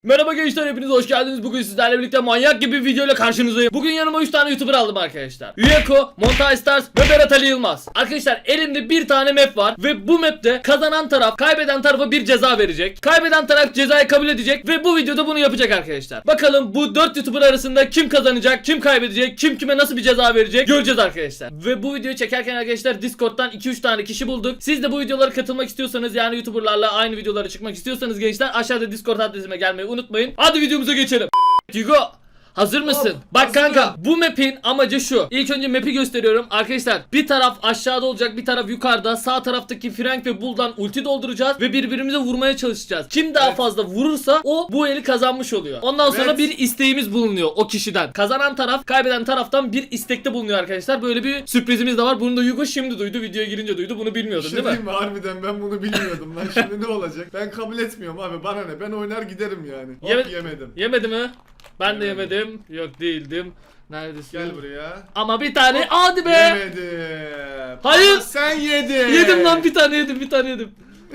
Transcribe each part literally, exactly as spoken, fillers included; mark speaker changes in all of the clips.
Speaker 1: Merhaba gençler, hepiniz hoş geldiniz. Bugün sizlerle birlikte manyak gibi bir videoyla karşınızdayım. Bugün yanıma üç tane YouTuber aldım arkadaşlar. Uyeko, Montaj Stars ve Berat Ali Yılmaz. Arkadaşlar elimde bir tane map var ve bu map'te kazanan taraf kaybeden tarafa bir ceza verecek. Kaybeden taraf cezayı kabul edecek ve bu videoda bunu yapacak arkadaşlar. Bakalım bu dört YouTuber arasında kim kazanacak, kim kaybedecek, kim kime nasıl bir ceza verecek göreceğiz arkadaşlar. Ve bu videoyu çekerken arkadaşlar Discord'dan iki üç tane kişi bulduk. Siz de bu videolara katılmak istiyorsanız, yani YouTuber'larla aynı videolara çıkmak istiyorsanız gençler, aşağıda Discord adresime gelmeyi unutmayın. Hadi videomuza geçelim. Hugo, hazır mısın?
Speaker 2: Hop,
Speaker 1: Bak
Speaker 2: hazırım.
Speaker 1: kanka, bu map'in amacı şu. İlk önce map'i gösteriyorum. Arkadaşlar bir taraf aşağıda olacak, bir taraf yukarıda. Sağ taraftaki Frank ve Bull'dan ulti dolduracağız ve birbirimize vurmaya çalışacağız. Kim daha
Speaker 2: Evet.
Speaker 1: fazla vurursa o bu eli kazanmış oluyor. Ondan sonra
Speaker 2: Evet.
Speaker 1: bir isteğimiz bulunuyor o kişiden. Kazanan taraf kaybeden taraftan bir istekte bulunuyor arkadaşlar. Böyle bir sürprizimiz de var. Bunu da Hugo şimdi duydu. Videoya girince duydu. Bunu
Speaker 2: Bir
Speaker 1: bilmiyordun
Speaker 2: şey
Speaker 1: değil mi?
Speaker 2: diyeyim mi? Harbiden ben bunu bilmiyordum lan. Şimdi ne olacak? Ben kabul etmiyorum abi. Bana ne? Ben oynar giderim yani. Hop
Speaker 1: Yeme-
Speaker 2: yemedim.
Speaker 1: Yemedi mi? Ben de
Speaker 2: Yemedim.
Speaker 1: yemedim. Yok değildim. Neredesin?
Speaker 2: Gel buraya.
Speaker 1: Ama bir tane.
Speaker 2: Hop,
Speaker 1: Hadi be.
Speaker 2: Yemedim.
Speaker 1: Hayır.
Speaker 2: Ama sen yedin.
Speaker 1: Yedim lan, bir tane yedim, bir tane yedim.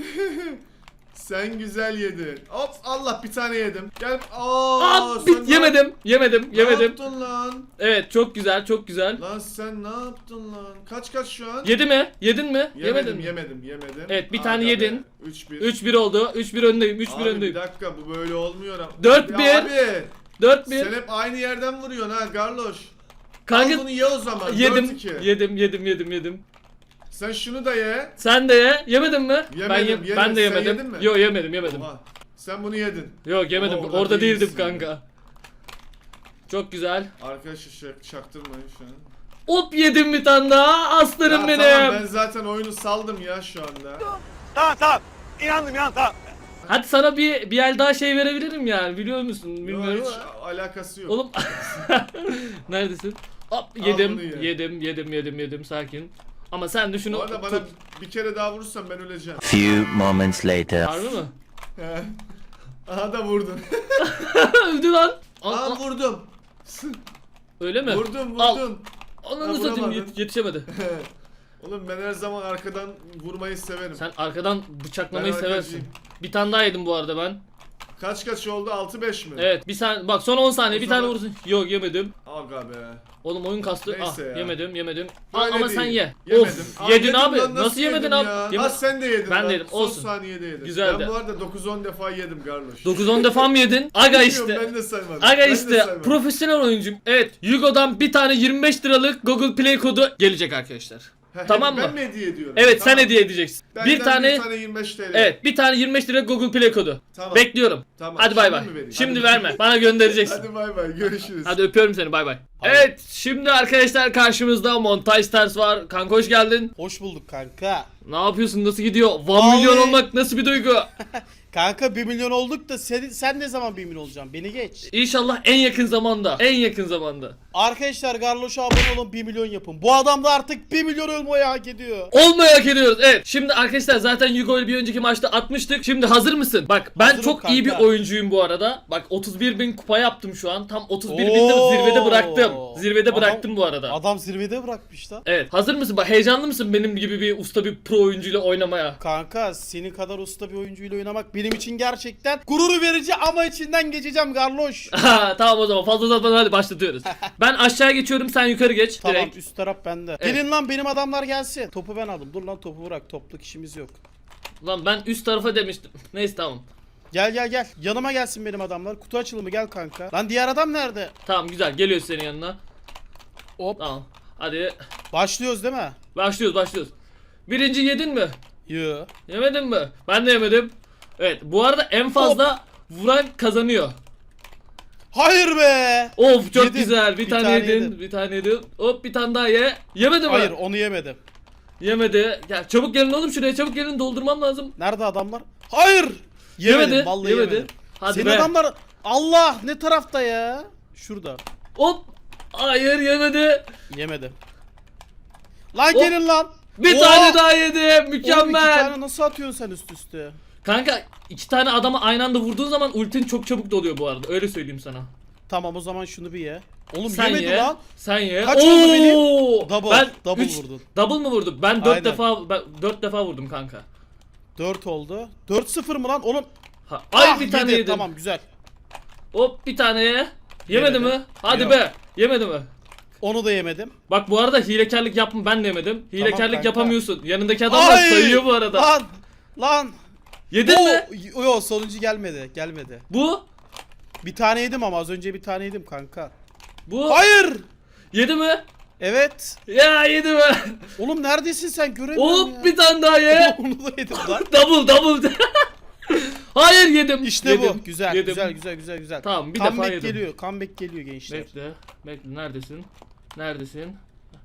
Speaker 2: Sen güzel yedin. Hop Allah bir tane yedim. Gel. Aa,
Speaker 1: Aa,
Speaker 2: sen
Speaker 1: bit
Speaker 2: ne-
Speaker 1: yemedim, yemedim,
Speaker 2: Ne
Speaker 1: yemedim.
Speaker 2: yaptın lan?
Speaker 1: Evet, çok güzel, çok güzel.
Speaker 2: Lan sen ne yaptın lan? Kaç kaç şu an?
Speaker 1: Yedi mi? Yedin mi?
Speaker 2: Yemedim,
Speaker 1: Yemedin mi?
Speaker 2: yemedim, yemedim.
Speaker 1: Evet, bir tane yedin.
Speaker 2: üç bir.
Speaker 1: üç bir oldu. üç bir öndeyim, üç bir
Speaker 2: Abi
Speaker 1: öndeyim.
Speaker 2: bir dakika bu böyle olmuyor ama.
Speaker 1: Dört
Speaker 2: Ya
Speaker 1: bir.
Speaker 2: Abi.
Speaker 1: dört
Speaker 2: Sen
Speaker 1: bir.
Speaker 2: hep aynı yerden vuruyorsun ha Garloş.
Speaker 1: Kanka
Speaker 2: Al bunu ye o zaman.
Speaker 1: yedim,
Speaker 2: dört iki.
Speaker 1: yedim, yedim, yedim, yedim.
Speaker 2: Sen şunu da ye.
Speaker 1: Sen de ye. Yemedin mi? ben
Speaker 2: Yemedim,
Speaker 1: ye-
Speaker 2: yemedim.
Speaker 1: ben de
Speaker 2: Sen
Speaker 1: yemedim.
Speaker 2: yedin mi?
Speaker 1: Yok, yemedim, yemedim.
Speaker 2: Oha. Sen bunu yedin.
Speaker 1: Yok, yemedim.
Speaker 2: Ama
Speaker 1: Orada,
Speaker 2: orada
Speaker 1: değildim
Speaker 2: değilsin
Speaker 1: kanka. Çok güzel.
Speaker 2: Arkadaşlar şak çaktırmayın şu an.
Speaker 1: Hop, yedim bir tane daha. Aslanım
Speaker 2: Ya
Speaker 1: benim.
Speaker 2: tamam ben zaten oyunu saldım ya şu anda.
Speaker 3: Tamam tamam. İnandım inandım tamam.
Speaker 1: Hadi sana bir bir el daha şey verebilirim yani, biliyor musun?
Speaker 2: Yok,
Speaker 1: Bilmiyorum
Speaker 2: hiç
Speaker 1: ama.
Speaker 2: alakası yok.
Speaker 1: Oğlum neredesin? Hop,
Speaker 2: Al
Speaker 1: yedim,
Speaker 2: bunu ye.
Speaker 1: yedim, yedim, yedim, yedim, sakin. Ama sen de
Speaker 2: Bu
Speaker 1: şunu
Speaker 2: arada bana
Speaker 1: tut.
Speaker 2: bir kere daha vurursan ben öleceğim.
Speaker 4: Few moments later.
Speaker 1: Harbi mi?
Speaker 2: He. Aha da vurdun.
Speaker 1: Öldü lan. Al,
Speaker 2: Aa
Speaker 1: al.
Speaker 2: vurdum.
Speaker 1: Öyle mi?
Speaker 2: Vurdum
Speaker 1: Al.
Speaker 2: vurdum.
Speaker 1: Ananı
Speaker 2: Ha,
Speaker 1: satayım,
Speaker 2: vuramadın.
Speaker 1: yet- yetişemedi.
Speaker 2: Oğlum ben her zaman arkadan vurmayı severim.
Speaker 1: Sen arkadan bıçaklamayı
Speaker 2: Ben
Speaker 1: seversin.
Speaker 2: arkacıyım.
Speaker 1: Bir tane daha yedim bu arada ben.
Speaker 2: Kaç kaç oldu? altı beş mi?
Speaker 1: Evet, bir saniye bak, son on saniye
Speaker 2: O
Speaker 1: bir tane
Speaker 2: zaman-
Speaker 1: vursun. Yok, yemedim.
Speaker 2: Aga be.
Speaker 1: Oğlum oyun kastı. Ah,
Speaker 2: Neyse ya.
Speaker 1: yemedim, yemedim. Al,
Speaker 2: Böyle
Speaker 1: ama
Speaker 2: değil.
Speaker 1: sen ye.
Speaker 2: Yemedim.
Speaker 1: Of,
Speaker 2: Aa,
Speaker 1: yedin
Speaker 2: yedim
Speaker 1: abi.
Speaker 2: lan,
Speaker 1: Nasıl, yemedin
Speaker 2: yedim
Speaker 1: abi?
Speaker 2: ya?
Speaker 1: Yeme-
Speaker 2: Ha sen de yedin
Speaker 1: Ben
Speaker 2: lan.
Speaker 1: de yedim,
Speaker 2: Son
Speaker 1: olsun.
Speaker 2: saniyede yedin.
Speaker 1: Güzeldi.
Speaker 2: Ben bu arada dokuz on defa yedim Garloş.
Speaker 1: dokuz on defa mı yedin? Aga
Speaker 2: Bilmiyorum,
Speaker 1: işte.
Speaker 2: Ben de saymadım.
Speaker 1: Aga
Speaker 2: Ben de
Speaker 1: işte
Speaker 2: saymadım.
Speaker 1: profesyonel oyuncum. Evet, Hugo'dan bir tane yirmi beş liralık Google Play kodu gelecek arkadaşlar.
Speaker 2: He,
Speaker 1: Tamam
Speaker 2: ben
Speaker 1: mı?
Speaker 2: mi hediye ediyorum?
Speaker 1: Evet,
Speaker 2: Tamam.
Speaker 1: sen hediye edeceksin.
Speaker 2: Benden
Speaker 1: bir tane,
Speaker 2: bir tane yirmi beş T L.
Speaker 1: evet, bir tane yirmi beş lira Google Play kodu.
Speaker 2: Tamam.
Speaker 1: Bekliyorum.
Speaker 2: Tamam.
Speaker 1: Hadi bay bay.
Speaker 2: Şimdi mi vereyim?
Speaker 1: Şimdi
Speaker 2: Hadi.
Speaker 1: verme. Bana göndereceksin.
Speaker 2: Hadi bay bay. Görüşürüz.
Speaker 1: Hadi öpüyorum seni, bay bay. Evet, şimdi arkadaşlar karşımızda Montaj Stars var. Kanka hoş geldin.
Speaker 5: Hoş bulduk kanka.
Speaker 1: Ne yapıyorsun? Nasıl gidiyor? bir
Speaker 5: Vallahi-
Speaker 1: milyon olmak nasıl bir duygu?
Speaker 5: Kanka bir milyon olduk da sen, sen ne zaman bir milyon olacaksın? Beni geç.
Speaker 1: İnşallah en yakın zamanda. En yakın zamanda.
Speaker 5: Arkadaşlar Garloş'a abone olun, bir milyon yapın. Bu adam da artık bir milyon olmayı hak ediyor.
Speaker 1: Olmayı hak ediyoruz. Evet. Şimdi arkadaşlar zaten Hugo'yu bir önceki maçta atmıştık. Şimdi hazır mısın? Bak ben
Speaker 5: Hazırım
Speaker 1: çok iyi bir
Speaker 5: kanka.
Speaker 1: oyuncuyum bu arada. Bak otuz bir bin kupa yaptım şu an. Tam otuz bir binde
Speaker 5: Oo.
Speaker 1: zirvede bıraktım. Zirvede
Speaker 5: Adam-
Speaker 1: bıraktım bu arada.
Speaker 5: Adam zirvede bırakmış da.
Speaker 1: Evet. Hazır mısın? Bak heyecanlı mısın benim gibi bir usta bir pro oyuncuyla oynamaya?
Speaker 5: Kanka senin kadar usta bir oyuncuyla oynamak benim için gerçekten gurur verici ama içinden geçeceğim Garloş.
Speaker 1: Ha, tamam o zaman fazla uzatmadan hadi başlatıyoruz. Ben aşağı geçiyorum, sen yukarı geç.
Speaker 5: Tamam,
Speaker 1: Direkt.
Speaker 5: üst taraf bende.
Speaker 1: Evet.
Speaker 5: Gelin lan benim adamlar gelsin. Topu ben aldım. Dur lan topu bırak. Topluk işimiz yok.
Speaker 1: Lan ben üst tarafa demiştim. Neyse tamam.
Speaker 5: Gel gel gel. Yanıma gelsin benim adamlar. Kutu açılımı gel kanka. Lan diğer adam nerede?
Speaker 1: Tamam güzel, geliyor senin yanına.
Speaker 5: Hop.
Speaker 1: Tamam. Hadi
Speaker 5: Başlıyoruz değil mi?
Speaker 1: başlıyoruz başlıyoruz. Birinci yedin mi?
Speaker 5: Yo.
Speaker 1: Yemedin mi? Ben de yemedim. Evet, bu arada en fazla vuran kazanıyor.
Speaker 5: Hayır be.
Speaker 1: Of çok
Speaker 5: Yedim.
Speaker 1: güzel. Bir,
Speaker 5: Bir
Speaker 1: tane,
Speaker 5: tane
Speaker 1: yedin.
Speaker 5: yedim.
Speaker 1: Bir tane yedin. Hop bir tane daha ye. Yemedi mi?
Speaker 5: Hayır onu yemedim.
Speaker 1: Yemedi. Gel çabuk gelin oğlum şuraya, çabuk gelin, doldurmam lazım.
Speaker 5: Nerede adamlar? Hayır. Yemedim.
Speaker 1: Yemedi.
Speaker 5: Vallahi
Speaker 1: Yemedi.
Speaker 5: yemedim.
Speaker 1: Hadi
Speaker 5: Senin
Speaker 1: be.
Speaker 5: adamlar Allah ne tarafta ya? Şurada.
Speaker 1: Hop. Hayır yemedi.
Speaker 5: Yemedim. Lan
Speaker 1: Hop.
Speaker 5: gelin lan.
Speaker 1: Bir
Speaker 5: Oo!
Speaker 1: tane daha yedi.
Speaker 5: Oğlum iki
Speaker 1: Mükemmel.
Speaker 5: tane nasıl atıyorsun sen üst üste?
Speaker 1: Kanka iki tane adamı aynı anda vurduğun zaman ultin çok çabuk doluyor bu arada. Öyle söyleyeyim sana.
Speaker 5: Tamam o zaman şunu bir ye. Oğlum
Speaker 1: Sen
Speaker 5: yemedi
Speaker 1: ye.
Speaker 5: lan.
Speaker 1: Sen ye.
Speaker 5: Kaç oldu benim?
Speaker 1: Oo!
Speaker 5: Double,
Speaker 1: Ben
Speaker 5: double
Speaker 1: üç-
Speaker 5: vurdun.
Speaker 1: Double mı vurdum? Ben dört
Speaker 5: Aynen.
Speaker 1: defa ben dört defa vurdum kanka.
Speaker 5: dört oldu. dört sıfır mı lan? Oğlum.
Speaker 1: Ha, ay
Speaker 5: Ah,
Speaker 1: bir tane
Speaker 5: yedi.
Speaker 1: yedim.
Speaker 5: Tamam güzel.
Speaker 1: Hop bir tane ye. Yemedi
Speaker 5: Yemedi.
Speaker 1: mi? Hadi
Speaker 5: Yok.
Speaker 1: be. Yemedi mi?
Speaker 5: Onu da yemedim.
Speaker 1: Bak bu arada hilekarlık yapma, ben de yemedim. Hilekarlık
Speaker 5: kanka.
Speaker 1: yapamıyorsun. Yanındaki adamlar
Speaker 5: Ay!
Speaker 1: sayıyor bu arada.
Speaker 5: Lan! Lan!
Speaker 1: Yedin mi?
Speaker 5: O, yo sonuncu gelmedi. Gelmedi.
Speaker 1: Bu?
Speaker 5: Bir tane yedim ama az önce bir tane yedim kanka.
Speaker 1: Bu?
Speaker 5: Hayır!
Speaker 1: Yedi mi?
Speaker 5: Evet.
Speaker 1: Ya yedi mi?
Speaker 5: Oğlum neredesin sen? Göremiyorum ya.
Speaker 1: Hop bir tane daha ye.
Speaker 5: Onu da yedim lan.
Speaker 1: Double double. Hayır yedim.
Speaker 5: İşte
Speaker 1: Yedim,
Speaker 5: bu. Güzel,
Speaker 1: yedim.
Speaker 5: güzel, güzel, güzel, güzel.
Speaker 1: Tamam, bir
Speaker 5: Comeback
Speaker 1: defa yedim.
Speaker 5: geliyor. Comeback geliyor gençler.
Speaker 1: Bekle. Bekle neredesin? Neredesin?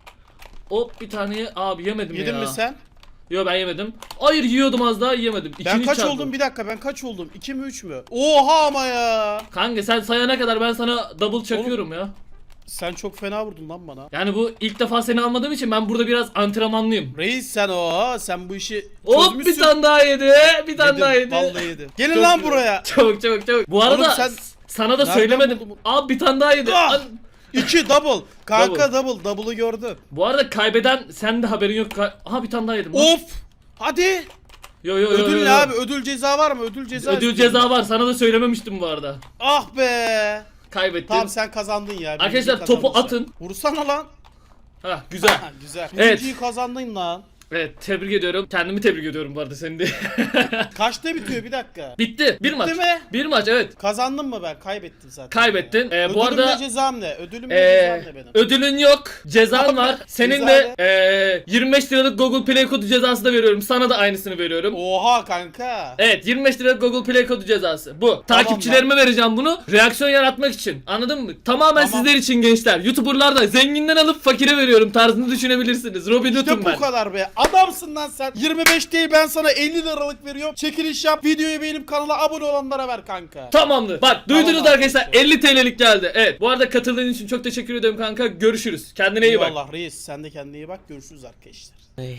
Speaker 1: Hop bir tane ye. Abi yemedim
Speaker 5: Yedin
Speaker 1: ya.
Speaker 5: mi sen?
Speaker 1: Yo ben yemedim. Hayır yiyordum az daha yiyemedim.
Speaker 5: Ben
Speaker 1: İkini
Speaker 5: kaç
Speaker 1: çaldım.
Speaker 5: oldum? Bir dakika ben kaç oldum? iki mi üç mü? Oha ama ya.
Speaker 1: Kanka sen sayana kadar ben sana double çakıyorum ya.
Speaker 5: Sen çok fena vurdun lan bana.
Speaker 1: Yani bu ilk defa seni almadığım için ben burada biraz antrenmanlıyım.
Speaker 5: Reis sen o. Sen bu işi
Speaker 1: Hop
Speaker 5: çözmüşsün.
Speaker 1: bir tane daha yedi. Bir tane
Speaker 5: Yedim,
Speaker 1: daha yedi.
Speaker 5: vallahi yedi. Gelin
Speaker 1: Çok
Speaker 5: lan
Speaker 1: güzel.
Speaker 5: buraya.
Speaker 1: Çabuk çabuk çabuk. Bu arada
Speaker 5: Oğlum sen
Speaker 1: s- sana da
Speaker 5: nereden
Speaker 1: söylemedim.
Speaker 5: buldun
Speaker 1: Abi bir tane daha yedi.
Speaker 5: Ah!
Speaker 1: Al-
Speaker 5: İki double. Kanka double. Double'ı gördüm.
Speaker 1: Bu arada kaybeden sen de haberin yok. Ka- Aha bir tane daha yedim. lan.
Speaker 5: Of. Hadi.
Speaker 1: Yo yo yo. yo,
Speaker 5: Ödül
Speaker 1: yo.
Speaker 5: ne abi? Ödül ceza var mı? Ödül ceza.
Speaker 1: Ödül
Speaker 5: istiyorum.
Speaker 1: ceza var. Sana da söylememiştim bu arada.
Speaker 5: Ah be.
Speaker 1: Kaybettin.
Speaker 5: Tamam sen kazandın ya.
Speaker 1: Arkadaşlar,
Speaker 5: Birinciyi
Speaker 1: topu
Speaker 5: kazandın sen.
Speaker 1: atın.
Speaker 5: Vursana lan.
Speaker 1: Ha güzel.
Speaker 5: Ha, güzel.
Speaker 1: Evet.
Speaker 5: Birinciyi kazandın lan.
Speaker 1: Evet tebrik ediyorum. Kendimi tebrik ediyorum bu arada seni de.
Speaker 5: Kaçta bitiyor bir dakika?
Speaker 1: Bitti. Bir maç.
Speaker 5: mi?
Speaker 1: Bir maç evet.
Speaker 5: Kazandın mı ben? Kaybettim zaten.
Speaker 1: Kaybettin. Ee, bu
Speaker 5: Ödülüm
Speaker 1: arada
Speaker 5: ne cezam ne? Ödülüm ne
Speaker 1: Ee,
Speaker 5: cezam ne benim?
Speaker 1: ödülün yok, cezan var. Senin
Speaker 5: Ceza
Speaker 1: de ee, yirmi beş liralık Google Play kodu cezası da veriyorum. Sana da aynısını veriyorum.
Speaker 5: Oha kanka.
Speaker 1: Evet yirmi beş liralık Google Play kodu cezası. Bu. Takipçilerime vereceğim bunu. Reaksiyon yaratmak için. Anladın mı? Tamamen
Speaker 5: Tamam.
Speaker 1: sizler için gençler. YouTuber'lar da zenginden alıp fakire veriyorum tarzını düşünebilirsiniz. Robin Hood'um
Speaker 5: İşte
Speaker 1: ben.
Speaker 5: bu kadar be. Adamsın lan sen. yirmi beş değil ben sana elli liralık veriyorum. Çekiliş yap. Videoyu beğenip kanala abone olanlara ver kanka.
Speaker 1: Tamamdır. Bak duydunuz
Speaker 5: Tamam
Speaker 1: arkadaşlar
Speaker 5: arkadaşlar.
Speaker 1: elli T L'lik geldi. Evet. Bu arada katıldığın için çok teşekkür ederim kanka. Görüşürüz. Kendine iyi bak.
Speaker 5: Eyvallah reis. Sen de kendine iyi bak. Görüşürüz arkadaşlar.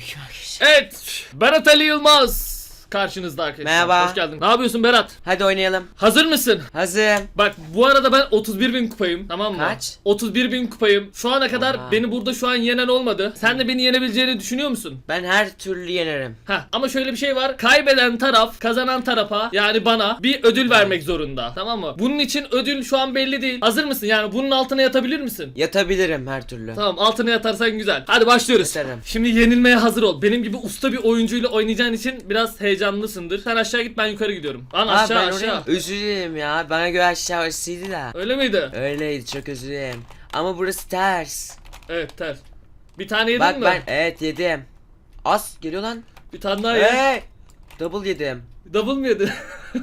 Speaker 1: Evet. Berat Ali Yılmaz karşınızda arkadaşlar.
Speaker 4: Merhaba.
Speaker 1: Hoş geldin. Ne yapıyorsun Berat?
Speaker 4: Hadi oynayalım.
Speaker 1: Hazır mısın?
Speaker 4: Hazırım.
Speaker 1: Bak bu arada ben otuz bir bin kupayım, tamam mı?
Speaker 4: Kaç?
Speaker 1: otuz bir bin kupayım. Şu ana kadar
Speaker 4: Oha.
Speaker 1: beni burada şu an yenen olmadı. Sen de beni yenebileceğini düşünüyor musun?
Speaker 4: Ben her türlü yenerim.
Speaker 1: Ha ama şöyle bir şey var. Kaybeden taraf kazanan tarafa yani bana bir ödül vermek zorunda. Tamam mı? Bunun için ödül şu an belli değil. Hazır mısın? Yani bunun altına yatabilir misin?
Speaker 4: Yatabilirim her türlü.
Speaker 1: Tamam altına yatarsan güzel. Hadi başlıyoruz.
Speaker 4: Yatarım.
Speaker 1: Şimdi yenilmeye hazır ol. Benim gibi usta bir oyuncuyla oynayacağın için biraz heyecanlısındır. Sen aşağı git ben yukarı gidiyorum. Lan
Speaker 4: Aa,
Speaker 1: aşağı
Speaker 4: ben
Speaker 1: aşağı.
Speaker 4: oraya özür dilerim ya. Bana göre aşağı orasıydı da.
Speaker 1: Öyle miydi?
Speaker 4: Öyleydi, çok özür dilerim. Ama burası ters.
Speaker 1: Evet ters. Bir tane yedin
Speaker 4: Bak
Speaker 1: mi?
Speaker 4: ben evet yedim. Az geliyor lan.
Speaker 1: Bir tane daha ye.
Speaker 4: Hey! Double yedim.
Speaker 1: Double mı yedin?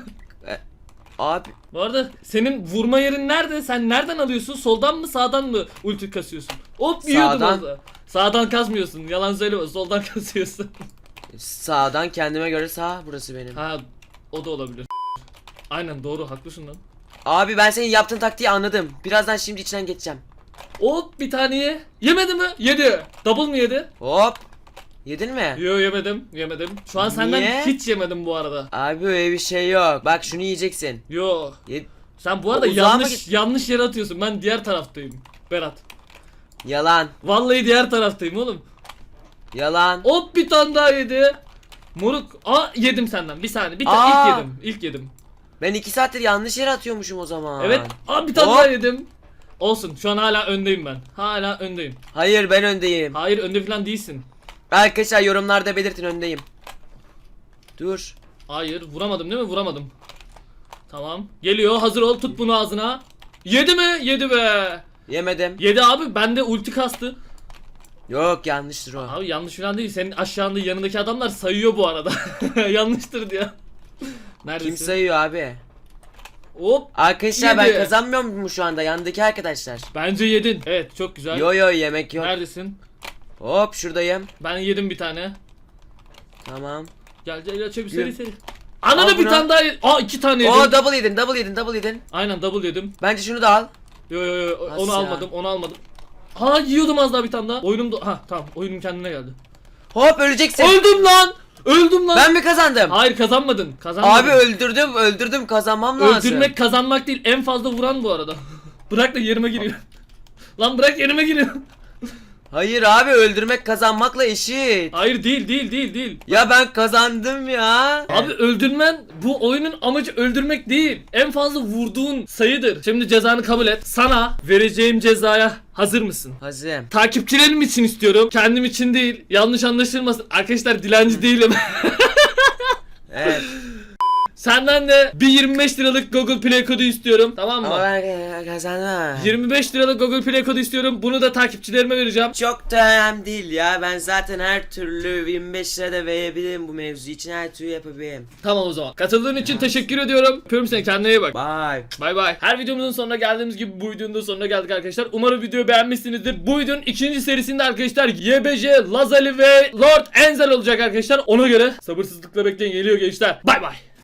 Speaker 4: Abi
Speaker 1: Bu arada senin vurma yerin nerede? Sen nereden alıyorsun? Soldan mı sağdan mı ulti kasıyorsun? Hop yiyordum
Speaker 4: Sağdan.
Speaker 1: orada. Sağdan kasmıyorsun. Yalan söyleme. Soldan kasıyorsun.
Speaker 4: sağdan kendime göre sağ burası benim.
Speaker 1: Ha o da olabilir. Aynen doğru haklısın lan.
Speaker 4: Abi ben senin yaptığın taktiği anladım. Birazdan şimdi içinden geçeceğim.
Speaker 1: Hop bir tane ye. Yemedi mi? Yedi. Double mı yedi?
Speaker 4: Hop. Yedin mi?
Speaker 1: Yo yemedim. Yemedim. Şu an senden
Speaker 4: Niye?
Speaker 1: hiç yemedim bu arada.
Speaker 4: Abi öyle bir şey yok. Bak şunu yiyeceksin.
Speaker 1: Yo.
Speaker 4: Ye-
Speaker 1: Sen bu arada
Speaker 4: O uzağa mı
Speaker 1: yanlış
Speaker 4: git-
Speaker 1: yanlış yere atıyorsun. Ben diğer taraftayım. Berat.
Speaker 4: Yalan.
Speaker 1: Vallahi diğer taraftayım oğlum.
Speaker 4: Yalan.
Speaker 1: Hop bir tane daha yedi. Moruk. Aa yedim senden. Bir saniye. Bir tane
Speaker 4: Aa.
Speaker 1: ilk yedim. İlk yedim.
Speaker 4: Ben iki saattir yanlış yere atıyormuşum o zaman.
Speaker 1: Evet. Aa bir tane
Speaker 4: Hop.
Speaker 1: daha yedim. Olsun. Şu an hala öndeyim ben. Hala öndeyim.
Speaker 4: Hayır ben öndeyim.
Speaker 1: Hayır önde falan değilsin.
Speaker 4: Arkadaşlar yorumlarda belirtin öndeyim. Dur.
Speaker 1: Hayır vuramadım değil mi? Vuramadım. Tamam. Geliyor. Hazır ol. Tut bunu ağzına. Yedi mi? Yedi be.
Speaker 4: Yemedim.
Speaker 1: Yedi abi. Bende ulti kastı.
Speaker 4: Yok yanlıştır o.
Speaker 1: Abi yanlış falan değil. Senin aşağında yanındaki adamlar sayıyor bu arada. Yanlıştır diyor. Neredesin?
Speaker 4: Kim sayıyor abi?
Speaker 1: Hop.
Speaker 4: Arkadaşlar ben
Speaker 1: Yedi.
Speaker 4: kazanmıyor muyum şu anda yandaki arkadaşlar?
Speaker 1: Bence yedin. Evet çok güzel.
Speaker 4: Yo yo yemek yok.
Speaker 1: Neredesin?
Speaker 4: Hop şuradayım.
Speaker 1: Ben yedim bir tane.
Speaker 4: Tamam.
Speaker 1: Gel gel gel çabuk
Speaker 4: Yürü.
Speaker 1: seri seri. Ananı
Speaker 4: Al
Speaker 1: bir
Speaker 4: bunu.
Speaker 1: tane daha yedim. Aa iki tane yedim.
Speaker 4: Oo double yedin double yedin double yedin.
Speaker 1: Aynen double yedim.
Speaker 4: Bence şunu da al.
Speaker 1: Yo yo yo onu
Speaker 4: Nasıl ya?
Speaker 1: almadım onu almadım. Ha yiyordum az daha bir tane daha. Oyunum da ha tamam oyunum kendine geldi.
Speaker 4: Hop öleceksin.
Speaker 1: Öldüm lan. Öldüm lan.
Speaker 4: Ben mi kazandım?
Speaker 1: Hayır kazanmadın. Kazanmadın.
Speaker 4: Abi öldürdüm öldürdüm kazanmam lazım.
Speaker 1: Öldürmek kazanmak değil. En fazla vuran bu arada. Bırak da yerime giriyor. Lan bırak yerime giriyor.
Speaker 4: Hayır abi, öldürmek kazanmakla eşit.
Speaker 1: Hayır değil değil değil değil.
Speaker 4: Ya ben kazandım ya.
Speaker 1: Abi öldürmen bu oyunun amacı öldürmek değil. En fazla vurduğun sayıdır. Şimdi cezanı kabul et. Sana vereceğim cezaya hazır mısın?
Speaker 4: Hazırım.
Speaker 1: Takipçilerim için istiyorum. Kendim için değil. Yanlış anlaşılmasın. Arkadaşlar dilenci değilim.
Speaker 4: Evet.
Speaker 1: Senden de bir yirmi beş liralık Google Play kodu istiyorum. Tamam
Speaker 4: Ama
Speaker 1: mı?
Speaker 4: ben kazandım.
Speaker 1: yirmi beş liralık Google Play kodu istiyorum. Bunu da takipçilerime vereceğim.
Speaker 4: Çok da önemli değil ya. Ben zaten her türlü yirmi beş lira da verebilirim bu mevzu için, her türlü yapabilirim.
Speaker 1: Tamam o zaman. Katıldığın için teşekkür ediyorum. Öpüyorum seni. Kendine iyi bak.
Speaker 4: Bye.
Speaker 1: Bay bay. Her videomuzun sonuna geldiğimiz gibi bu videonun da sonuna geldik arkadaşlar. Umarım videoyu beğenmişsinizdir. Bu videonun ikinci serisinde arkadaşlar Y B J, Lazali ve Lord Enzel olacak arkadaşlar. Ona göre sabırsızlıkla bekleyin. Geliyor gençler. Bay bay.